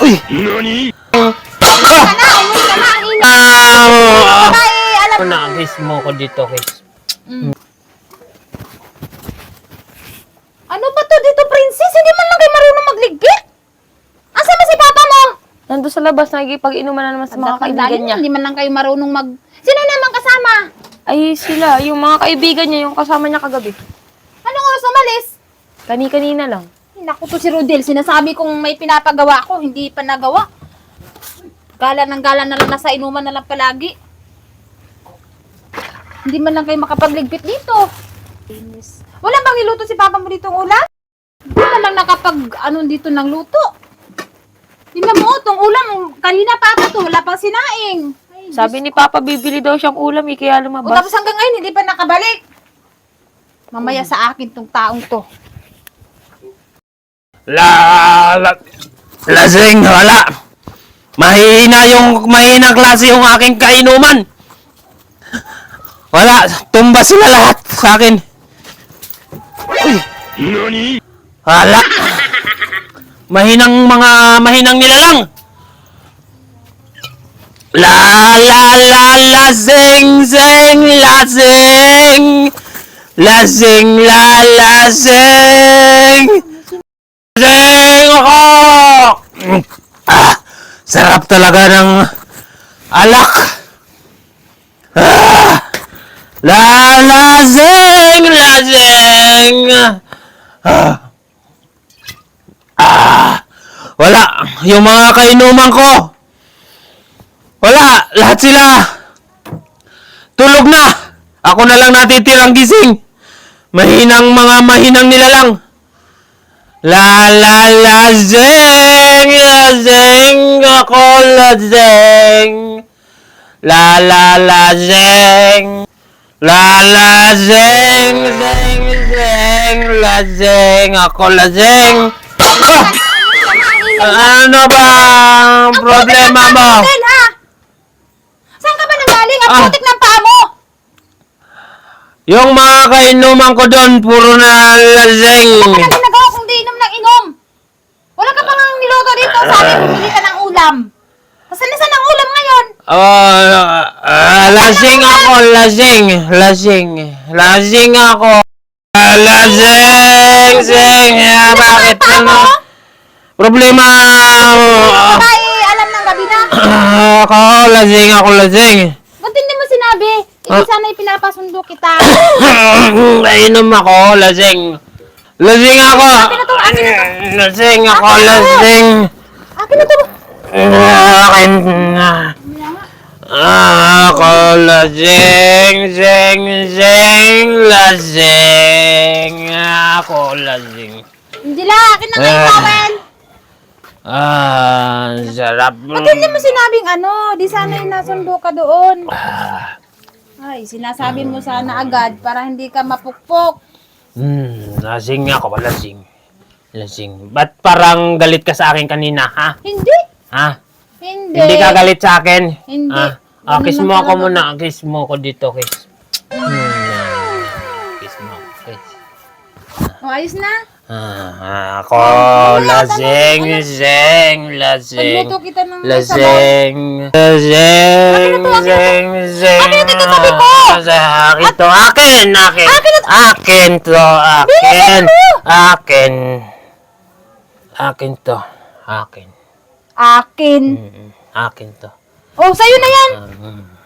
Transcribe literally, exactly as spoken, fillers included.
Uy! Nani? Ah! Umuwi ka na, umuwi ka na. Ang ina. Ah! Babae, alam mo. Nakakis mo ko dito, kiss. Ano ba to dito, princess? Hindi man lang kayo marunong magligpit. Asa ba si papa mo? Nandun sa labas, nagipag-inuman na naman sa mga kaibigan niya. Hindi man lang kayo marunong mag... Sino naman kasama? Ay, sila, yung mga kaibigan niya, yung kasama niya kagabi. Anong oras umalis? Kani-kanina lang. Naku to si Rodel, sinasabi kong may pinapagawa ko, hindi pa nagawa. Gala ng gala na lang, nasa inuman na lang palagi. Hindi man lang kayo makapagligpit dito. Wala bang iluto si papa mo dito ng ulam? Hindi man lang nakapag, ano dito ng luto. Tingnan mo, itong ulam, kanina papa to, wala pang sinaing. Ay, Sabi ni Papa, bibili daw siyang ulam, eh, kaya o, lumabas. tapos hanggang ngayon, hindi pa nakabalik. Mamaya sa akin tong taong to. La, la, lasing, wala. Mahina yung, mahina klase yung aking kainuman. Wala, tumba sila lahat sa akin. Uy, Nani? wala. Mahinang mga, mahinang nilalang. La, la, la, lasing, sing, lasing. Lasing, la, lasing. Lasing ako! Ah, sarap talaga ng alak. Ah, la, lasing, lasing. Ah, ah, wala. Yung mga kainuman ko. Wala. Lahat sila. Tulog na. Ako na lang natitirang gising. Mahinang mga mahinang nilalang. La la lasing, lasing ako lasing. La la lasing. La lasing, sing, sing, lasing ako lasing. Ah! Ano ba ang problema mo? Rodel, ha? Saan ka ba nanggaling? Ang Ah. putik ng paa mo! Yung mga kainuman ko doon, puro na lasing. Ano na ginagawa kung di inom ng inom? Wala ka pang niluto dito. Sabi, bumili ka ng ulam. Saan na saan ang ulam ngayon? Oh, ah, lasing ako, lasing, lasing, lasing ako. Ah, lasing, sing, ah, bakit ano? Problema, ah, Babae, alam ng gabi na. ako, lasing ako, lasing. Ba't hindi mo sinabi? Hindi sana ipinapasundo kita. Nainom ako, lasing. Lasing ako. Akin na to, akin na to. Lasing ako, lasing. Akin na to. Akin na. Ako lasing, sing, sing, lasing. Ako lasing. Hindi la, akin na nga yung Ah. towel. Ah, sarap. Ba't hindi mo sinabing ano? Di sana yung nasundo ka doon. Ay, sinasabi mo sana agad para hindi ka mapukpok. Hmm, lasing ako, lasing. Lasing. Ba't parang galit ka sa akin kanina, ha? Hindi. Ha? Hindi. Hindi ka galit sa akin? Hindi. Ah, ah, Ganun kiss lang mo ako talaga. muna. Kiss mo ako dito, kiss. Hmm, kiss mo. Kiss. O, ayos na. Ah, ako, lasing, lasing, lasing. Pagluto kita ng may sabaw. Lasing, lasing, lasing, lasing. Akin na to, sabi ko! Akin to, akin, akin. Akin to, akin. Akin. Akin to, akin. Akin. Mm, Akin to. Oh, sa'yo na yan. Mm.